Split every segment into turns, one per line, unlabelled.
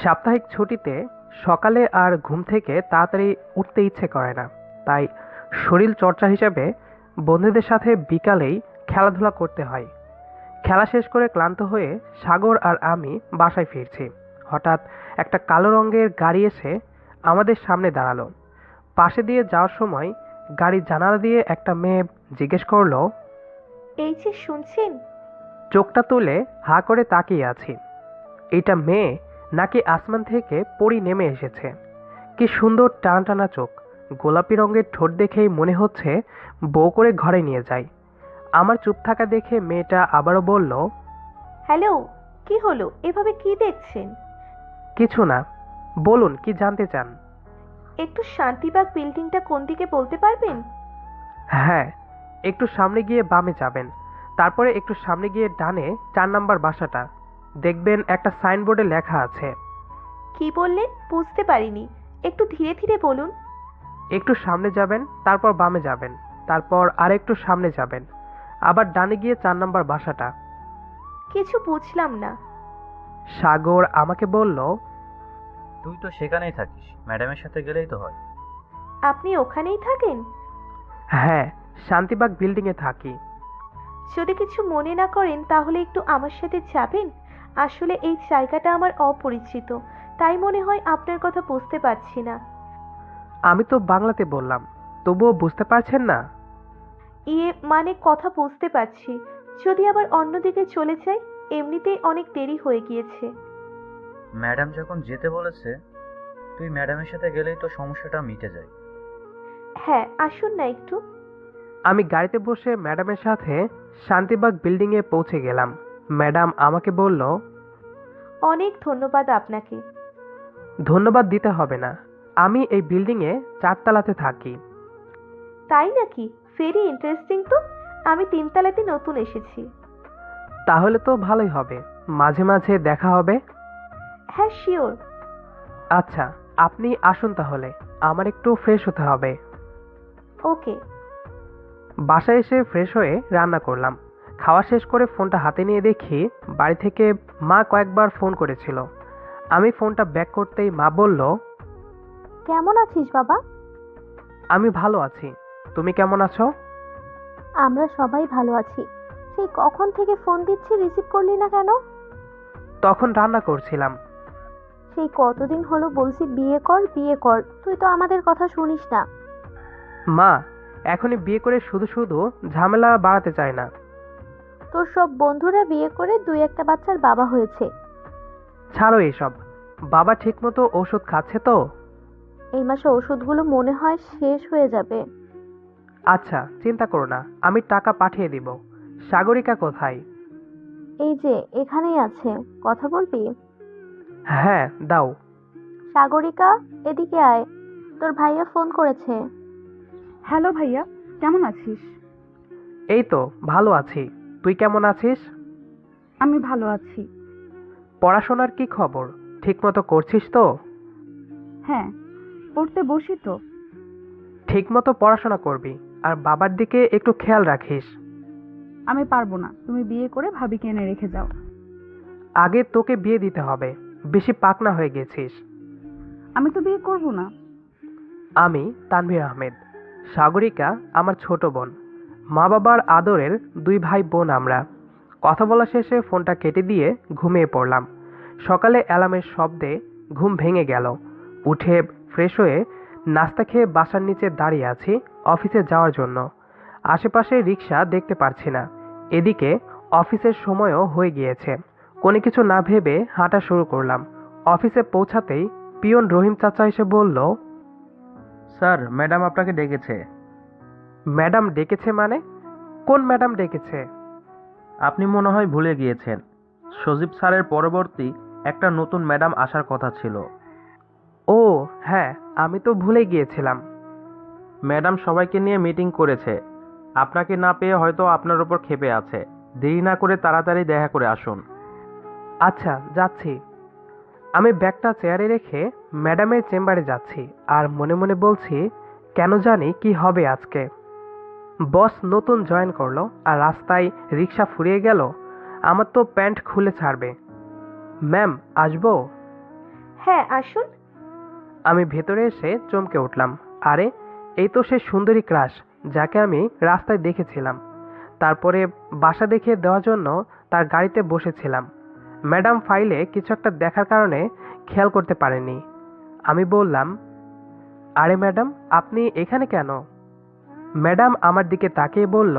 সাপ্তাহিক ছুটিতে সকালে আর ঘুম থেকে তাড়াতাড়ি উঠতে ইচ্ছে করে না, তাই শরীর চর্চা হিসেবে বন্ধুদের সাথে বিকালেই খেলাধুলা করতে হয়। খেলা শেষ করে ক্লান্ত হয়ে সাগর আর আমি বাসায় ফিরছি। হঠাৎ একটা কালো রঙের গাড়ি এসে আমাদের সামনে দাঁড়ালো। পাশে দিয়ে যাওয়ার সময় গাড়ির জানালা দিয়ে একটা মেয়ে জিজ্ঞেস করলো।
এই যে শুনছেন?
চোখটা তুলে হাঁ করে তাকিয়ে আছি। এটা মেয়ে নাকি আসমান থেকে পরি নেমে এসেছে? কি সুন্দর টানা টানা চোখ, গোলাপি রঙের ঠোঁট দেখেই মনে হচ্ছে বউ করে ঘরে নিয়ে যায়। আমার চুপ থাকা দেখে মেয়েটা আবারও বলল,
হ্যালো, কি হলো? এভাবে কি দেখছেন?
কিছু না, বলুন কি জানতে চান?
একটু শান্তিবাগ বিল্ডিংটা কোন দিকে বলতে পারবেন?
হ্যাঁ, একটু সামনে গিয়ে বামে যাবেন, তারপরে একটু সামনে গিয়ে ডানে 4 নাম্বার বাসাটা দেখবেন, একটা সাইনবোর্ডে লেখা আছে।
কি বললেন? বুঝতে পারিনি, একটু ধীরে ধীরে বলুন।
একটু সামনে যাবেন, তারপর বামে যাবেন, তারপর আরেকটু সামনে যাবেন, আবার ডানে গিয়ে 4 নাম্বার বাসাটা।
কিছু বুঝলাম না।
সাগর আমাকে বলল,
তুই তো সেখানেই থাকিস, ম্যাডামের সাথে গেলেই তো হয়।
আপনি ওখানেই থাকেন?
হ্যাঁ, শান্তিবাগ বিল্ডিংয়ে থাকি।
যদি কিছু মনে না করেন তাহলে একটু আমার সাথে যাবেন। আসলে এই জায়গাটা আমার অপরিচিত, তাই মনে হয় আপনার কথা বুঝতে পারছি না।
আমি তো বাংলাতে বললাম, তবুও বুঝতে পারছেন না?
ইয়ে মানে কথা বুঝতে পারছি, যদি আবার অন্যদিকে চলে যাই। এমনিতেই অনেক দেরি হয়ে গিয়েছে।
ম্যাডাম যখন যেতে বলেছে, তুই ম্যাডামের সাথে গেলেই তো সমস্যাটা মিটে যায়।
হ্যাঁ, আসুন না একটু।
আমি গাড়িতে বসে ম্যাডামের সাথে শান্তিবাগ বিল্ডিংয়ে পৌঁছে গেলাম। ম্যাডাম আমাকে বলল,
অনেক ধন্যবাদ আপনাকে।
ধন্যবাদ দিতে হবে না, আমি এই বিল্ডিংয়ে 4 তলাতে থাকি।
তাই নাকি? ভেরি ইন্টারেস্টিং তো। আমি 3 তলাতে নতুন এসেছি।
তাহলে তো ভালোই হবে, মাঝে মাঝে দেখা হবে।
হ্যাঁ, শিওর।
আচ্ছা, আপনি আসুন তাহলে, আমার একটু ফ্রেশ হতে হবে।
ওকে।
বাসায় এসে ফ্রেশ হয়ে রান্না করলাম। খাওয়া শেষ করে ফোনটা হাতে নিয়ে দেখি বাড়ি থেকে মা কয়েকবার ফোন করেছিল। আমি ফোনটা ব্যাক করতেই মা বলল,
কেমন আছিস বাবা?
আমি ভালো আছি, তুমি কেমন আছো?
আমরা সবাই ভালো আছি। সেই কখন থেকে ফোন দিচ্ছি, রিসিভ করলি না কেন?
তখন রান্না করছিলাম।
সেই কতদিন হলো বলছি বিয়ে কর বিয়ে কর, তুই তো আমাদের কথা শুনিস না।
মা, এখনই বিয়ে করে শুধু শুধু ঝামেলা বাড়াতে চায় না।
তোর সব বন্ধুরা বিয়ে করে 2-1টা বাচ্চার বাবা হয়েছে।
ছাড়ো এসব, বাবা ঠিকমতো ওষুধ খাচ্ছে তো?
এই মাসে ওষুধগুলো মনে হয় শেষ হয়ে যাবে।
আচ্ছা, চিন্তা করো না, আমি টাকা পাঠিয়ে দিব। সাগরিকা কোথায়?
এই যে এখানেই আছে, কথা বলবি?
হ্যাঁ, দাও।
সাগরিকা, এদিকে আয়, তোর ভাইয়া ফোন করেছে।
হ্যালো ভাইয়া, কেমন আছিস?
এই তো ভালো আছি, তুই কেমন আছিস?
আমি ভালো আছি।
পড়াশোনার কি খবর, ঠিকমতো করছিস তো?
হ্যাঁ, পড়তে বসি তো।
ঠিকমতো পড়াশোনা করবি, আর বাবার দিকে একটু খেয়াল রাখিস।
আমি পারবো না, তুমি বিয়ে করে ভাবিকে এনে রেখে যাও।
আগে তোকে বিয়ে দিতে হবে, বেশি পাকনা হয়ে গেছিস।
আমি তো বিয়ে করব না।
আমি তানভীর আহমেদ, সাগরিকা আমার ছোট বোন। মা বাবার আদরের 2 ভাই বোন আমরা। কথা বলা শেষে ফোনটা কেটে দিয়ে ঘুমিয়ে পড়লাম। সকালে অ্যালার্মের শব্দে ঘুম ভেঙে গেল। উঠে ফ্রেশ হয়ে নাস্তা খেয়ে বাসার নিচে দাঁড়িয়ে আছি অফিসে যাওয়ার জন্য। আশেপাশে রিক্সা দেখতে পারছি না। এদিকে অফিসের সময়ও হয়ে গিয়েছে। কোনো কিছু না ভেবে হাঁটা শুরু করলাম। অফিসে পৌঁছাতেই পিয়ন রহিম চাচা এসে বলল,
স্যার, ম্যাডাম আপনাকে ডেকেছে।
ম্যাডাম ডেকেছে মানে? কোন ম্যাডাম ডেকেছে?
আপনি মনে হয় ভুলে গিয়েছেন, সজীব স্যারের পরবর্তী একটা নতুন ম্যাডাম আসার কথা ছিল।
ও হ্যাঁ, আমি তো ভুলে গিয়েছিলাম।
ম্যাডাম সবাইকে নিয়ে মিটিং করেছে, আপনাকে না পেয়ে হয়তো আপনার উপর ক্ষেপে আছে। দেরি না করে তাড়াতাড়ি দেখা করে আসুন।
আচ্ছা, যাচ্ছি। আমি ব্যাগটা চেয়ারে রেখে ম্যাডামের চেম্বারে যাচ্ছি, আর মনে মনে বলছি, কেন জানি কি হবে আজকে। বস নতুন জয়েন করলো আর রাস্তায় রিক্সা ফুরিয়ে গেল। আমার তো প্যান্ট খুলে ছাড়বে। ম্যাম, আসবো?
হ্যাঁ, আসুন।
আমি ভেতরে এসে চমকে উঠলাম। আরে, এই তো সে সুন্দরী ক্রাশ যাকে আমি রাস্তায় দেখেছিলাম। তারপরে বাসা দেখিয়ে দেওয়ার জন্য তার গাড়িতে বসেছিলাম। ম্যাডাম ফাইলে কিছু একটা দেখার কারণে খেয়াল করতে পারেনি। আমি বললাম, আরে ম্যাডাম, আপনি এখানে কেন? ম্যাডাম আমার দিকে তাকিয়ে বলল,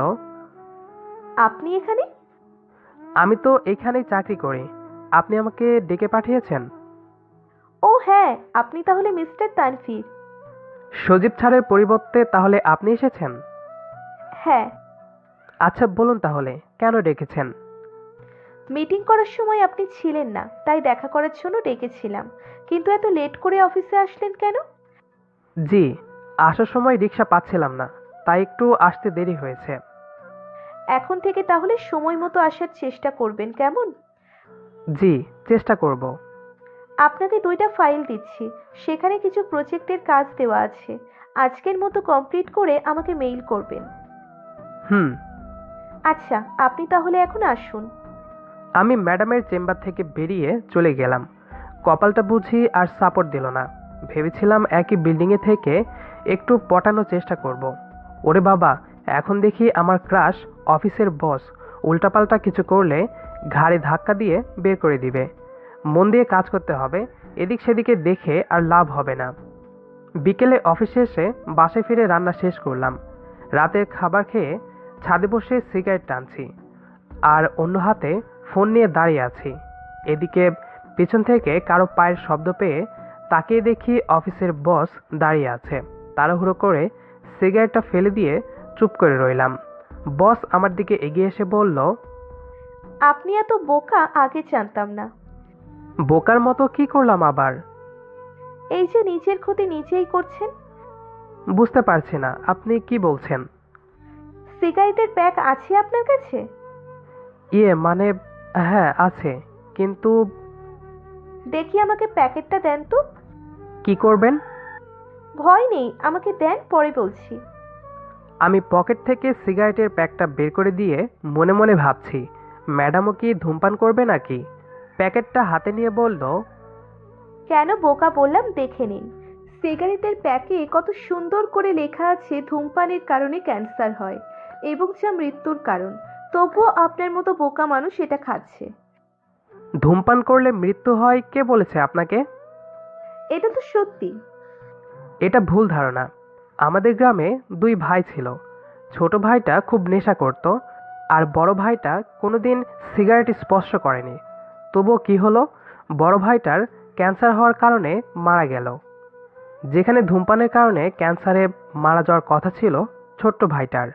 আপনি এখানে?
আমি তো এখানেই চাকরি করি। আপনি আমাকে ডেকে পাঠিয়েছেন?
ও হ্যাঁ, আপনি তাহলে মিস্টার তানভীর।
সজীব ছাড়ের পরিবর্তে তাহলে আপনি এসেছেন?
হ্যাঁ।
আচ্ছা বলুন তাহলে, কেন ডেকেছেন?
মিটিং করার সময় আপনি ছিলেন না, তাই দেখা করার জন্য ডেকেছিলাম। কিন্তু এত লেট করে অফিসে আসলেন কেন?
জি, আসার সময় রিক্সা পাচ্ছিলাম না, তাই একটু আসতে দেরি হয়েছে।
এখন থেকে তাহলে সময় মতো আসার চেষ্টা করবেন, কেমন?
জি, চেষ্টা করব।
আপনাকে 2টা ফাইল দিচ্ছি, সেখানে কিছু প্রজেক্টের কাজ দেওয়া আছে। আজকের মতো কমপ্লিট করে আমাকে মেইল করবেন।
হুম।
আচ্ছা, আপনি তাহলে এখন আসুন।
আমি ম্যাডামের চেম্বার থেকে বেরিয়ে চলে গেলাম। কপালটা বুঝি আর সাপোর্ট দিল না। ভেবেছিলাম একই বিল্ডিংয়ে থেকে একটু পটানোর চেষ্টা করব। ওরে বাবা, এখন দেখি আমার ক্রাশ অফিসের বস উল্টাপাল্টা কিছু করলে ঘাড়ে ধাক্কা দিয়ে বের করে দিবে। মন দিয়ে কাজ করতে হবে, এদিক সেদিকে দেখে আর লাভ হবে না। বিকেলে অফিসে এসে বাসায় ফিরে রান্না শেষ করলাম। রাতের খাবার খেয়ে ছাদে বসে সিগারেট টানছি, আর অন্য হাতে ফোন নিয়ে দাঁড়িয়ে আছি। এদিকে পিছন থেকে কারো পায়ের শব্দ পেয়ে তাকিয়ে দেখি অফিসের বস দাঁড়িয়ে আছে। তাড়াহুড়ো করে সিগারেটটা ফেলে দিয়ে চুপ করে রইলাম। বস আমার দিকে এগিয়ে এসে বলল,
আপনি এত বোকা আগে জানতাম না।
বোকার মতো কি করলাম আবার?
এই যে নিজের ক্ষতি নিজেই করছেন।
বুঝতে পারছি না আপনি কি বলছেন।
সিগারেটের প্যাক আছে আপনার কাছে?
ইয়ে মানে, হ্যাঁ আছে, কিন্তু
দেখি আমাকে প্যাকেটটা দেন তো।
কি করবেন?
ভয় নেই, আমাকে দেন, পরে বলছি।
আমি পকেট থেকে সিগারেটের প্যাকটা বের করে দিয়ে মনে মনে ভাবছি, ম্যাডামও কি ধূমপান করবে নাকি? প্যাকেটটা হাতে নিয়ে বলল,
কেন বোকা বললাম, দেখে নিন। সিগারেটের প্যাকে কত সুন্দর করে লেখা আছে ধূমপানের কারণে ক্যান্সার হয় এবং যা মৃত্যুর কারণ। তবুও আপনার মতো বোকা মানুষ এটা খাচ্ছে।
ধূমপান করলে মৃত্যু হয় কে বলেছে আপনাকে?
এটা তো সত্যি।
এটা ভুল ধারণা। আমাদের গ্রামে 2 ভাই ছিল। ছোট ভাইটা খুব নেশা করত, আর বড় ভাইটা কোনোদিন সিগারেট স্পর্শ করেনি। তবুও কি হলো, বড় ভাইটার ক্যান্সার হওয়ার কারণে মারা গেল। যেখানে ধূমপানের কারণে ক্যান্সারে মারা যাওয়ার কথা ছিল ছোট্ট ভাইটার।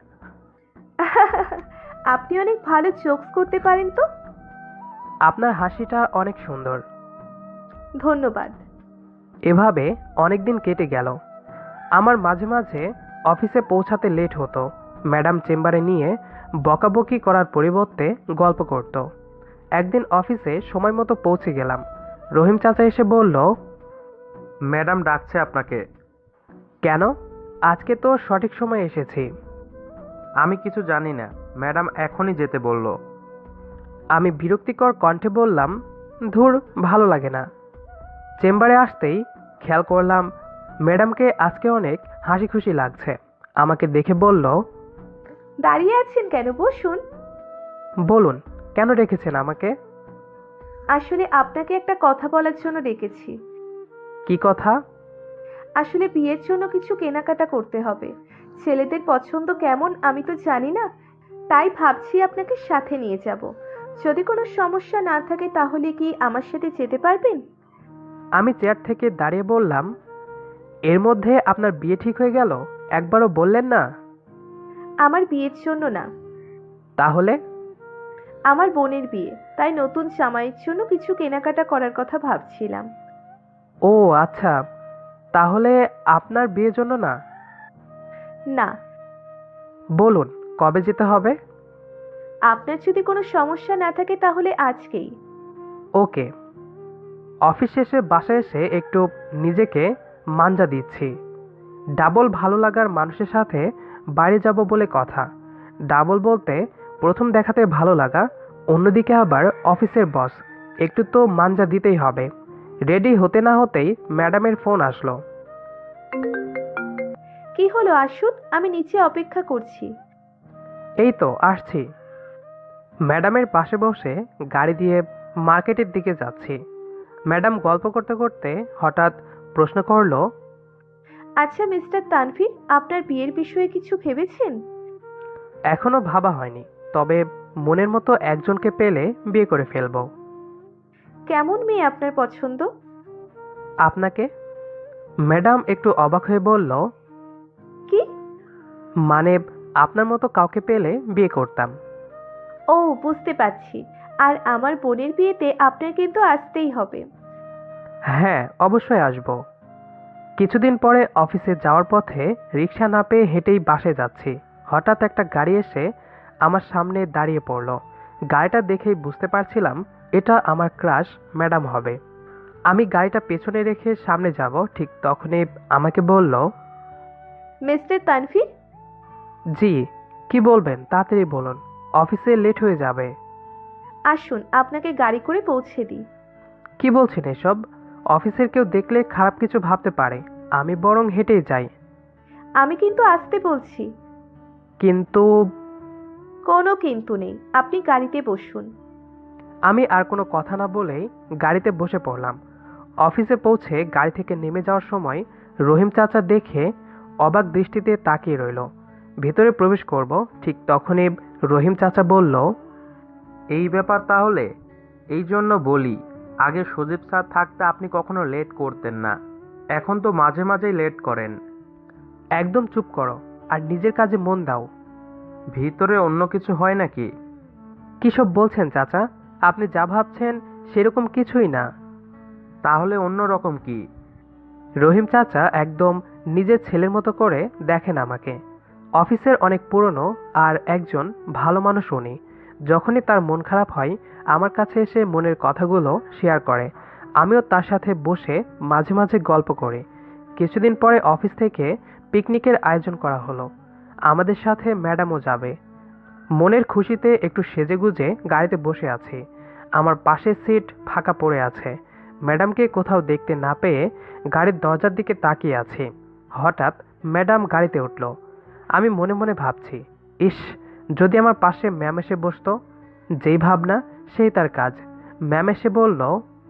আপনি অনেক ভালো জোকস করতে পারেন তো।
আপনার হাসিটা অনেক সুন্দর।
ধন্যবাদ।
এভাবে অনেক দিন কেটে গেল। আমার মাঝে মাঝে অফিসে পৌঁছাতে লেট হতো। ম্যাডাম চেম্বারে নিয়ে বকাবকি করার পরিবর্তে গল্প করত। একদিন অফিসে সময় মতো পৌঁছে গেলাম। রহিম চাচা এসে বলল,
ম্যাডাম ডাকছে আপনাকে।
কেন? আজকে তো সঠিক সময়ে এসেছি।
আমি কিছু জানি না, ম্যাডাম এখনই যেতে বলল।
আমি বিরক্তিকর কণ্ঠে বললাম, ধুর, ভালো লাগে না। চেম্বারে আসতেই খেয়াল করলাম ম্যাডামকে আজকে অনেক হাসি খুশি লাগছে। আমাকে দেখে বলল,
দাঁড়িয়ে আছেন কেন, বসুন।
বলুন, কেন রেখেছেন আমাকে?
আসলে আপনাকে একটা কথা বলার জন্য ডেকেছি।
কি কথা?
আসলে বিয়ের জন্য কিছু কেনাকাটা করতে হবে। ছেলেদের পছন্দ কেমন আমি তো জানি না, তাই ভাবছি আপনাকে সাথে নিয়ে যাব। যদি কোনো সমস্যা না থাকে তাহলে কি আমার সাথে যেতে পারবেন?
আমি চেয়ার থেকে দাঁড়িয়ে বললাম, এর মধ্যে আপনার বিয়ে ঠিক হয়ে গেল? একবারও বললেন না।
আমার বিয়ের জন্য না,
তাহলে?
আমার বোনের বিয়ে, তাই নতুন জামাইয়ের জন্য কিছু কেনাকাটা করার কথা ভাবছিলাম।
ও আচ্ছা, তাহলে আপনার বিয়ের জন্য না?
না।
বলুন, কবে যেতে হবে?
আপনার যদি কোনো সমস্যা না থাকে তাহলে আজকেই।
ওকে। অফিস শেষে বাসায় এসে একটু নিজেকে মাঞ্জা দিচ্ছি। ডাবল ভালো লাগার মানুষের সাথে বাইরে যাব বলে কথা। ডাবল বলতে প্রথম দেখাতে ভালো লাগা, অন্যদিকে আবার অফিসের বস। একটু তো মাঞ্জা দিতেই হবে। রেডি হতে না হতেই ম্যাডামের ফোন আসলো।
কি হলো, আসুন, আমি নিচে অপেক্ষা করছি।
এই তো আসছি। ম্যাডামের পাশে বসে গাড়ি দিয়ে মার্কেটের দিকে যাচ্ছি। ম্যাডাম গল্প করতে করতে হঠাৎ প্রশ্ন করলো,
আচ্ছা মিস্টার তানভীর, আপনার বিয়ের বিষয়ে কিছু ভেবেছেন?
এখনো ভাবা হয়নি, তবে মনের মতো একজনকে পেলে বিয়ে করে ফেলবো।
কেমন মেয়ে আপনার পছন্দ?
আপনাকে? ম্যাডাম একটু অবাক হয়ে বলল,
কি?
মানে আপনার মতো কাউকে পেলে বিয়ে করতাম।
ও, বুঝতে পারছি। আর আমার বোনের বিয়েতে আপনার কিন্তু আসতেই হবে।
হ্যাঁ, অবশ্যই আসবো। কিছুদিন পরে অফিসে যাওয়ার পথে রিক্সা না পেয়ে হেঁটেই বাসে যাচ্ছি। হঠাৎ একটা গাড়ি এসে আমার সামনে দাঁড়িয়ে পড়লো। গাড়িটা দেখেই বুঝতে পারছিলাম এটা আমার ক্রাশ ম্যাডাম হবে। আমি গাড়িটা পেছনে রেখে সামনে যাব, ঠিক তখনই আমাকে বলল,
মিস্টার তানভীর,
জি, কি বলবেন তাড়াতাড়ি বলুন, অফিসে লেট হয়ে যাবে।
আসুন আপনাকে গাড়ি করে পৌঁছে দিই।
কি বলছেন এসব? অফিসের কেউ দেখলে খারাপ কিছু ভাবতে পারে, আমি বরং হেঁটেই যাই।
আমি কিন্তু আসতে বলছি।
কিন্তু
কোনো কিন্তু নেই, আপনি গাড়িতে বসুন।
আমি আর কোনো কথা না বলেই গাড়িতে বসে পড়লাম। অফিসে পৌঁছে গাড়ি থেকে নেমে যাওয়ার সময় রহিম চাচা দেখে অবাক দৃষ্টিতে তাকিয়ে রইল। ভেতরে প্রবেশ করব, ঠিক তখনই রহিম চাচা বলল,
এই ব্যাপার তাহলে? এই জন্য বলি, আগে সজীব স্যার থাকতে আপনি কখনো লেট করতেন না, এখন তো মাঝে মাঝেই লেট করেন।
একদম চুপ করো আর নিজের কাজে মন দাও।
ভিতরে অন্য কিছু হয় নাকি?
কিসব বলছেন চাচা? আপনি যা ভাবছেন সেরকম কিছুই না।
তাহলে অন্য রকম কি?
রহিম চাচা একদম নিজের ছেলের মতো করে দেখেন আমাকে। অফিসের অনেক পুরনো আর একজন ভালো মানুষ উনি। যখনই তার মন খারাপ হয় আমার কাছে এসে মনের কথাগুলো শেয়ার করে। আমিও তার সাথে বসে মাঝে মাঝে গল্প করি। কিছুদিন পরে অফিস থেকে পিকনিকের আয়োজন করা হলো। আমাদের সাথে ম্যাডামও যাবে। মনের খুশিতে একটু সেজেগুজে গাড়িতে বসে আছি। আমার পাশের সিট ফাঁকা পড়ে আছে। ম্যাডামকে কোথাও দেখতে না পেয়ে গাড়ির দরজার দিকে তাকিয়ে আছি। হঠাৎ ম্যাডাম গাড়িতে উঠল। আমি মনে মনে ভাবছি, ইস, যদি আমার পাশে ম্যাম এসে বসতো। যেই ভাবনা সেই তার কাজ। ম্যাম এসে বলল,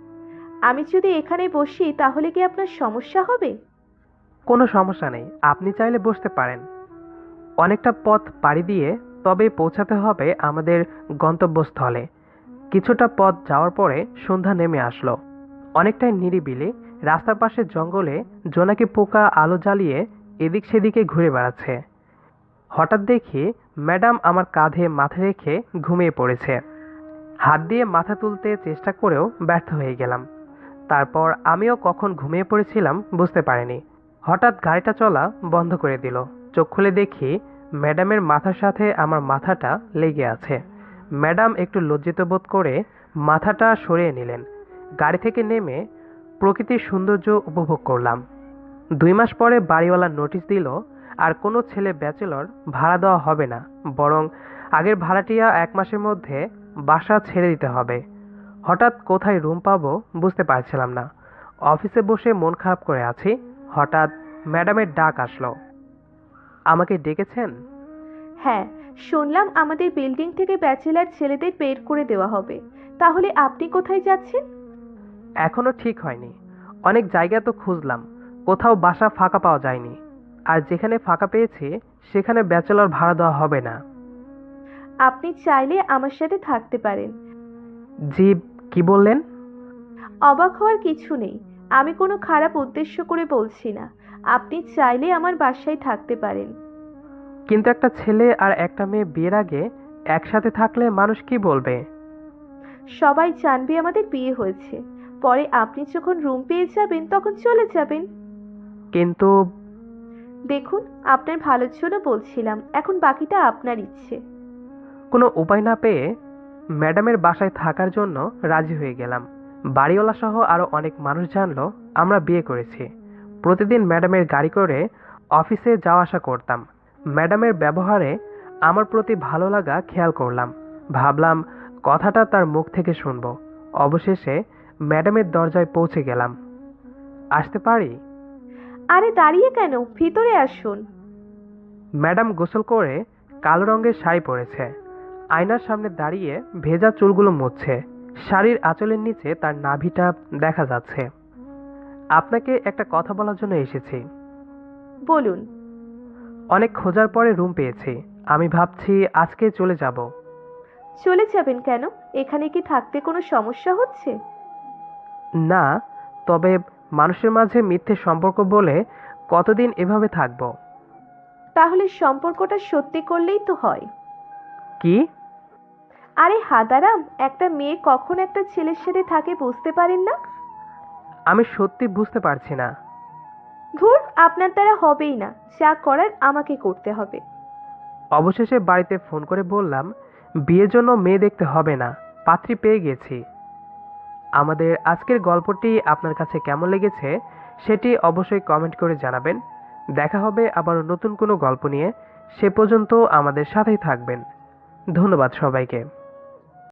আমি যদি এখানে বসি তাহলে কি আপনার সমস্যা হবে?
কোনো সমস্যা নেই, আপনি চাইলে বসতে পারেন। অনেকটা পথ পাড়ি দিয়ে তবে পৌঁছাতে হবে আমাদের গন্তব্যস্থলে। কিছুটা পথ যাওয়ার পরে সন্ধ্যা নেমে আসলো। অনেকটাই নিরিবিলি। রাস্তার পাশে জঙ্গলে জোনাকি পোকা আলো জ্বালিয়ে এদিক সেদিকে ঘুরে বেড়াচ্ছে। হঠাৎ দেখি ম্যাডাম আমার কাঁধে মাথা রেখে ঘুমিয়ে পড়েছে। হাত দিয়ে মাথা তুলতে চেষ্টা করেও ব্যর্থ হয়ে গেলাম। তারপর আমিও কখন ঘুমিয়ে পড়েছিলাম বুঝতে পারিনি। হঠাৎ গাড়িটা চলা বন্ধ করে দিল। চোখ খুলে দেখি ম্যাডামের মাথার সাথে আমার মাথাটা লেগে আছে। ম্যাডাম একটু লজ্জিত বোধ করে মাথাটা সরিয়ে নিলেন। গাড়ি থেকে নেমে প্রকৃতির সৌন্দর্য উপভোগ করলাম। 2 মাস পরে বাড়িওয়ালা নোটিশ দিল, আর কোনো ছেলে ব্যাচেলর ভাড়া দেওয়া হবে না, বরং আগের ভাড়াটিয়া 1 মাসের মধ্যে বাসা ছেড়ে দিতে হবে। হঠাৎ কোথায় রুম পাবো বুঝতে পারছিলাম না। অফিসে বসে মন খারাপ করে আছি। হঠাৎ ম্যাডামের ডাক আসলো। আমাকে ডেকেছেন?
হ্যাঁ, শুনলাম আমাদের বিল্ডিং থেকে ব্যাচেলার ছেলেদের বের করে দেওয়া হবে। তাহলে আপনি কোথায় যাচ্ছেন?
এখনো ঠিক হয়নি। অনেক জায়গা তো খুঁজলাম, কোথাও বাসা ফাঁকা পাওয়া যায়নি। আর যেখানে ফাঁকা পেয়েছি সেখানে ব্যাচেলর ভাড়া দেওয়া হবে না।
আপনি চাইলে আমার সাথে থাকতে পারেন।
জি, কি বললেন?
অবাক হওয়ার কিছু নেই, আমি কোনো খারাপ উদ্দেশ্য করে বলছি না। আপনি চাইলে আমার বাসায় থাকতে পারেন।
কিন্তু একটা ছেলে আর একটা মেয়ে বিয়ের আগে একসাথে থাকলে মানুষ কি বলবে?
সবাই জানবে আমাদের বিয়ে হয়েছে। পরে আপনি যখন রুম পেয়ে যাবেন তখন চলে যাবেন।
কিন্তু
দেখুন, আপনার ভালোর জন্য বলছিলাম, এখন বাকিটা আপনার ইচ্ছে।
কোনো উপায় না পেয়ে ম্যাডামের বাসায় থাকার জন্য রাজি হয়ে গেলাম। বাড়িওয়ালা সহ আরো অনেক মানুষ জানলো আমরা বিয়ে করেছি। প্রতিদিন ম্যাডামের গাড়ি করে অফিসে যাওয়া আসা করতাম। ম্যাডামের ব্যবহারে আমার প্রতি ভালো লাগা খেয়াল করলাম। ভাবলাম কথাটা তার মুখ থেকে শুনবো। অবশেষে ম্যাডামের দরজায় পৌঁছে গেলাম। আসতে পারি?
আরে দাঁড়িয়ে কেন, ভিতরে আসুন।
ম্যাডাম গোসল করে কালো রঙের শাড়ি পরেছে। আয়নার সামনে দাঁড়িয়ে ভেজা চুলগুলো মুছছে। শাড়ির আঁচলের নিচে তার নাভিটা দেখা যাচ্ছে। আপনাকে একটা কথা বলার জন্য এসেছি।
বলুন।
অনেক খোঁজার পরে রুম পেয়েছি। আমি ভাবছি আজকে চলে যাব।
চলে যাবেন কেন? এখানে কি থাকতে কোনো সমস্যা হচ্ছে?
না, তবে মানুষের মাঝে মিথ্যে সম্পর্ক বলে কতদিন এভাবে থাকবো?
তাহলে সম্পর্কটা সত্যি করলেই তো হয়।
কি?
আরে হাদারাম, একটা মেয়ে কখন একটা ছেলের সাথে থাকে বুঝতে পারেন না?
আমি সত্যি বুঝতে পারছি না।
ধুর, আপনার দ্বারা হবেই না, যা করার আমাকে করতে হবে।
অবশেষে বাড়িতে ফোন করে বললাম বিয়ের জন্য মেয়ে দেখতে হবে না, পাত্রী পেয়ে গেছি। আমাদের আজকের গল্পটি আপনার কাছে কেমন লেগেছে সেটি অবশ্যই কমেন্ট করে জানাবেন। দেখা হবে আবার নতুন কোনো গল্প নিয়ে। সে পর্যন্ত আমাদের সাথেই থাকবেন। ধন্যবাদ সবাইকে।